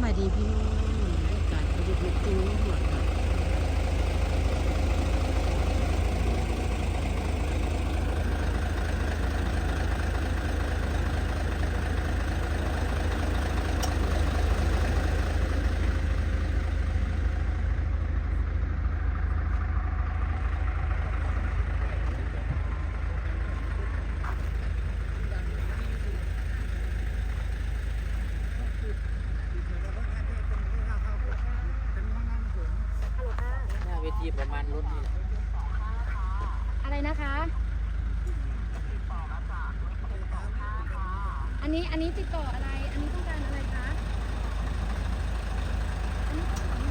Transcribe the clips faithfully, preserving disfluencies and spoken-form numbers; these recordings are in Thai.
บายดีพี่น้องอากาศประยุกต์ลุกจริงหมดค่ะเวทีประมาณรถนี่อะไรนะคะ อันนี้อันนี้ติดต่ออะไร อันนี้ต้องการอะไรคะอันนี้ต้องการ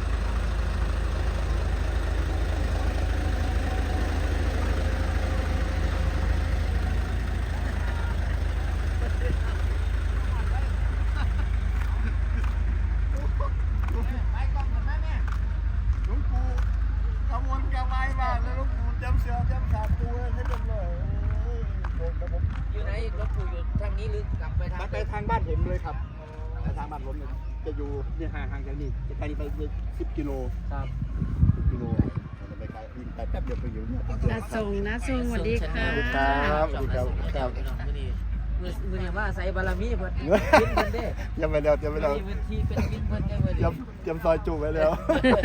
อยู่ไหนรถปู่อยู่ทางนี้หรือกลับไปทางไปทางบ้านผมเลยครับไปทางบ้านผมเลยจะอยู่เนี่ยห่างห่างจากนี่จะไกลไปสิบกิโลครับสิบกิโลจะไปไกลวิ่งไปแป๊บเดียวไปอยู่เนี่ยนาทรงนาทรงสวัสดีค่ะครับสวัสดีครับครับมือนี้มือมือนี้ว่าใส่บารมีเพิ่นกินเพิ่นเด้ยังไม่แล้วยังไม่แล้วมีเวทีเป็นกินเพิ่นได้เว้ยยังยังซอยจูบไว้แล้ว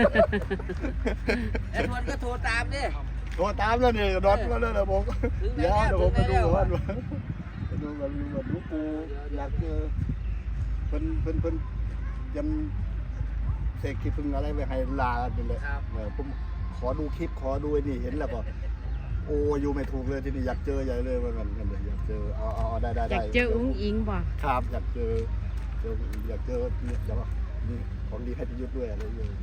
ไอ้ทวนก็โทรตามเด้โทรตามแล้วนี่นอนมาแล้วนะผมเดี๋ยวเดี๋ยวผมไปดูว่าไปดูแบบแบบลูกปูอยากเจอเพิ่นเพิ่นเพิ่นยันเสกคลิปเพิ่งอะไรไปให้ลาไปเลยผมขอดูคลิปขอดูไอ้นี่เห็นแล้วก็โอ้อยู่ไม่ถูกเลยที่นี่อยากเจอใหญ่เลยว่ามันมันอยากเจอเอาเอาได้ได้อได้ยากเจออุ้งอิงบ่ครับอยากเจอเจออยากเจอเนี่ยจะว่านี่ของดีให้พิยุทธ์ด้วยอะไรอย่างเงี้ย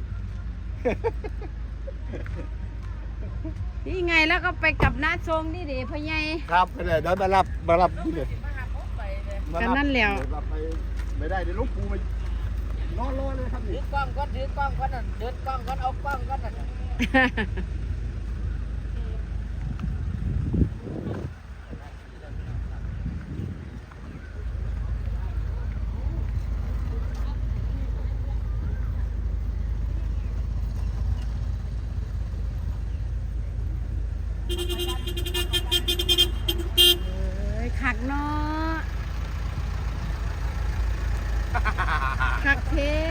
นี่ไงแล้วก็ไปกับนาทรงนี่ดิพ่อใหญ่ครับไปเลยเดี๋ยวมารับมารับที่เนี่ยกันนั่นแล้วรับไปไม่ได้เดี๋ยวลูกปูไปนอนรอเลยครับถืนี่อกล้องก่อนถือกล้องก่อนน่ะเดินกล้องก่อนเอากล้องก่อนน่ะเอ้ยคักเนาะคักเท่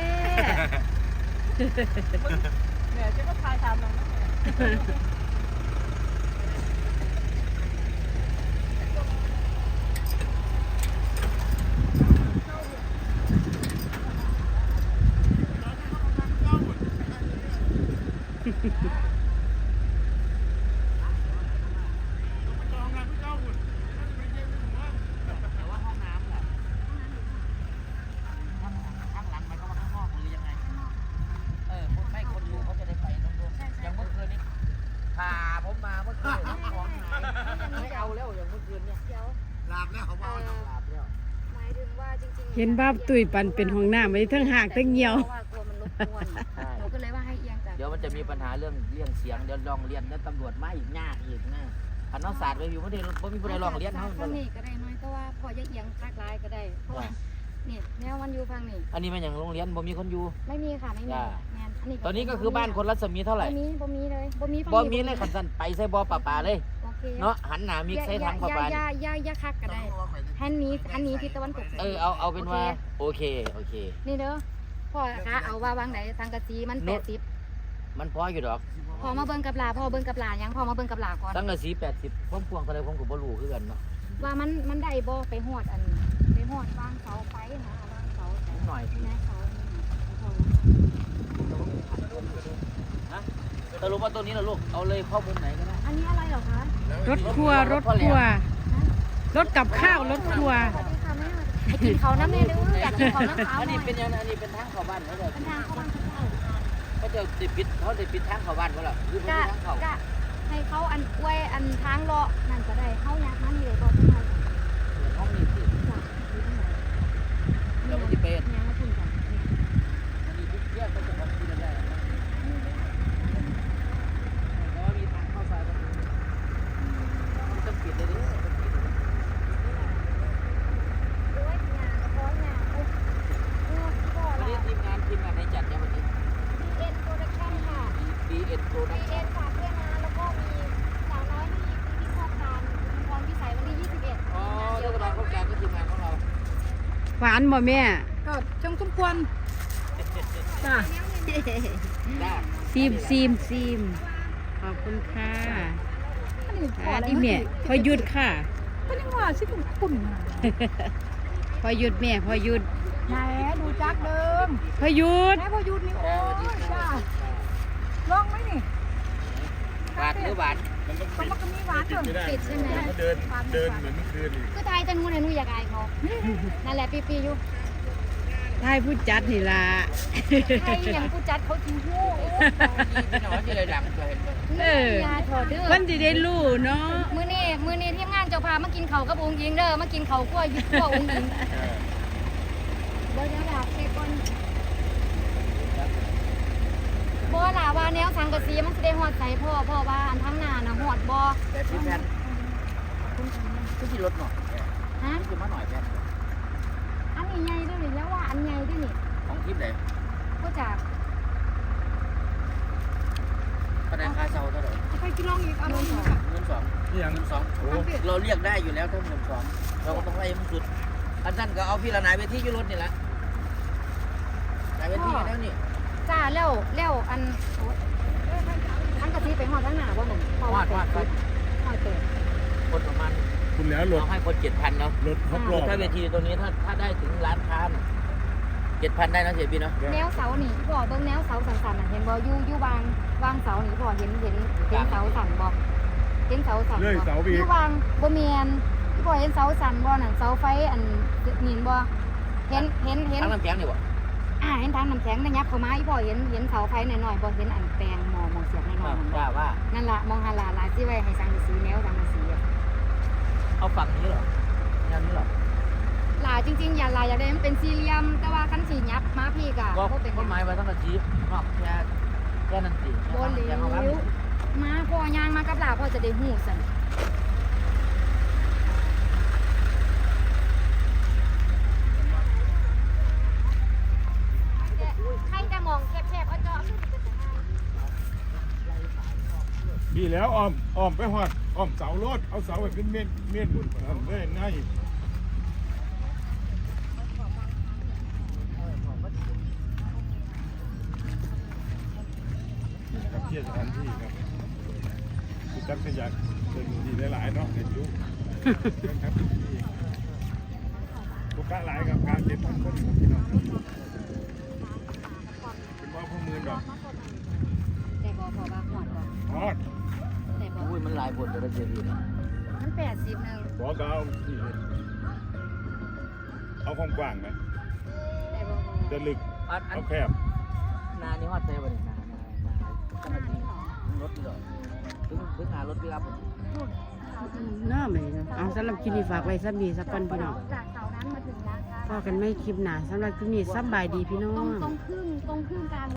แม่จะมาทายตามน้องนะแต่ว่าห้องน้ำแหละข้างข้างหลังมันก็ว่าข้างนอกหรือยังไงเออคนไม่คนดูเขาจะได้ไปตรงนู้นอย่างเมื่อคืนนี้พาผมมาเมื่อคืนของหายไม่เอาแล้วอย่างเมื่อคืนเนี่ยเดี๋ยวลาบแล้วเขาบอกหลับแล้วหมายถึงว่าจริงๆเห็นบ้าตุยปันเป็นห้องน้ำไว้ทั้งหากทั้งเหี่ยวเพราะว่ากลัวมันรบกวนหนูก็เลยว่าให้เอียงจากเดี๋ยวมันจะมีปัญหาเรื่องเรื่องเสียงเดี๋ยวลองเรียนแล้วตำรวจมาอีกยากอีกนะพันน้องศาสตร์ไปอยู่ไม่ได้ไม่มีผู้ใดลองเรียนเขาฟังนี่ก็ได้น้อยแต่ว่าพอจะเอียงคักร้ายก็ได้เพราะว่านี่แนวมันอยู่ฟังนี่อันนี้มันอย่างโรงเรียนบ่มีคนอยู่ไม่มีค่ะไม่มีจ้าแมนอันนี้ตอนนี้ก็คือบ้านคนรัศมีเท่าไหร่บ่มีบ่มีเลยบ่มีฟังบ่มีเลยขันสันไปใส่บ่อป่าป่าเลยโอเคเนาะหันหน้ามิกใส่ทางป่าป่าอย่าอย่าอย่าคักก็ได้หันนี้หันนี้ทิศตะวันตกเออเอาเอาเป็นว่าโอเคโอเคนี่เด้อพ่อคะเอาว่าบางไหนทางกะจีมันแปดสิบมันพออยู่ดอกพอมาเบิ่งกับหลาพ่อเบิ่งกับหลายังพอมาเบิ่งกับหลาก่อนตั้งแต่สีแปดสิบพวงพวงเท่าไรผมก็บ่รู้คือกันเนาะว่ามันมันได้บ่ไปหอดอันไปหอดวางเสาไฟนะวางเสานิดหน่อยแม่เสานี่นะสรุปว่าตัวนี้นะลูกเอาเลยเข้ามุมไหนก็ได้อันนี้อะไรเหรอคะรถครัวรถครัว รถกับข้าวรถครัวสวัสดีค่ะแม่ให้กินเขาน้ำแม่เด้ออยากกินเขาน้ำเขาอันหน่นี้อยเป็นยังไงอันนี้เป็นทางเข้าบ้านเขาจะเป็นทางเข้าบ้านเขาเขาจะติดปิดเขาจะปิดทางเข้าบ้านเขาหรอหรือก็ทางเข้าก็ให้เขาอันอวยอันทางเลาะนั่นก็ได้เข้ายักนั่นนี่เลยก็ได้ห้องนี้ที่จ้ะอยู่ตรงไหนเราไม่ได้เป็นยังไม่ถึงกันอันนี้ทุกแยกก็จะทำที่นั่นได้เพราะว่ามีทางเข้าซอยประตูมันต้องปิดเลยดิโอ้ยงานก็พอยงานโอ้ยพ่ออันละนี้ทีานบ่แม่ก็จังสมควรจ้าจ้าซีมซีมซีมขอบคุณค่ะอันนี้พออันแล้วนี้แม่พอหยุดค่ะก็ยังว่าสิคุณคุณพอหยุดแม่พอหยุดไหนดูจักเดิมพอหยุดแม่พอหยุดนี่โอ้ยจ้าลองไหมนี่หวานหรือหวานมันต้องก็ปิดมันก็มีหวานเติมไม่ได้ปิดใช่ไหมมันเดินเดินเหมือนเมื่อคืนอีกคือไทยจะนู้นเลยนู้นอยากอายเขานั่นแหละปีปีอยู่ทายผู้จัดนี่ล่ะไทยอย่างกูจัดเขาจริงหู้พี่น้องจะเลยดังจะเห็นไหมเออยาถอดเด้อคนที่ได้รู้เนาะมื้อนี้มื้อนี้ทีมงานเจ้าพามากินข้าวกับองค์หญิงเด้อมากินข้าวคั่วยึดคั่วองค์หญิงเดี๋ยวเดี๋ยวลาเช็คก่อนบ่ล่ะว่าแนวสังกะสีมันสิได้ฮอดใส่พ่อพ่อว่าอันทั้งหน้าน่ะฮอดบ่แต่พี่แพนพี่ขี่รถหน่อยฮะพี่ขี่มาหน่อยแพนอันนี้ใหญ่ด้วยนี่แล้วว่าอันใหญ่ด้วยนี่ของทิพย์ไหนก็จากคะแนนค่าเช่าเท่าไหร่เอาไปกินลองอีกเอาลองอีกเงินสองนี่ยังเงินสองเราเรียกได้อยู่แล้วถ้าเงินสองเราก็ต้องไล่มันสุดอันนั้นก็เอาพี่ละนายเวทีอยู่รถนี่แหละนายเวทีแล้วนี่จ้าแล้วแล้วอันโอ๊ยอันกะทิไปฮอดทั้งหน้าบ่หนุ่มวาดวาดวาดฮอดเติมคนประมาณคุณแล้วรถเราให้คนเจ็ดพันเนาะรถครบรอบถ้าเวทีตัวนี้ถ้าถ้าได้ถึงร้านค้าเจ็ดพันได้นะเสียบีเนาะแนวเสานี่พ่อเบิ่งแนวเสาสันๆน่ะเห็นบ่อยู่อยู่วางวางเสานี่พ่อเห็นเห็นเห็นเสาสันบ่เห็นเสาสันบ่เลื่อยเสาไปอีกอยู่วางบ่แม่นที่พ่อเห็นเสาสันบ่นั่นเสาไฟอันนี่บ่เห็นเห็นเห็นทั้งน้ำแข็งนี่บ่อ่าเห็นทางน้ำแข็งนะยับเข้ามาอีพ่อเห็นเห็นเสาไฟหน่อยๆบ่เห็นอันแปลงหมอมองเสียบหน่อยๆนั่นบ่ว่าว่านั่นล่ะมองหาลาลาที่ไว้ให้สังกะสีแนวสังกะสีอะเอาฝั่งนี้เหรอยันนี้เหรอลาจริงๆอย่าลาอยากได้มันเป็นสี่เหลี่ยมแต่ว่าคันสิยับมาพี่ก็ก็บ่เป็นหต้ยันงไม้ไว้ทั้งกระชีพนอกแค่แค่นั้นสิบ่เหลยังเอาไว้วมาพ่อย่างมากับลาพ่อจะได้ฮู้ซั่นใครจะมองแคบๆเอาจอดีแล้วอ้อมอ้อมไปหอดอ้อมเสารถเอาเสาไปเป็นเม่นเม่นทำได้ง่ายครับเที่ยวสถานที่ครับคุณจักรยานเดินดีหลายๆเนาะเห็นอยุครับลูกค้าหลายกับการเก็บพันคนครับพี่น้องเป็นว่าพวกมือดอกได้บ่พอว่าฮอดบ่ฮอดได้บ่อุ้ยมันหลายผลแต่ละเสียบีนะมันแปดสิบนึงบอกก็เอาที่เลยเอาความกว้างไหมได้บ่จะลึกอันอันเอาแคบนานี่ฮอดเซ่บ่นี่นานานาจังหวัดนี้รถนี่เหรอถึงถึงหารถพี่รับน่าไหมเนาะเอาสำหรับคลิปนี้ฝากไว้สักมีสักก่อนพี่น้องจากเสานั้นมาถึงร้านค้าพอกันไม่คลิปหนาสำหรับคลิปนี้สำบายดีพี่น้อตรงงตรงครึ่งตรงครึ่งกลาง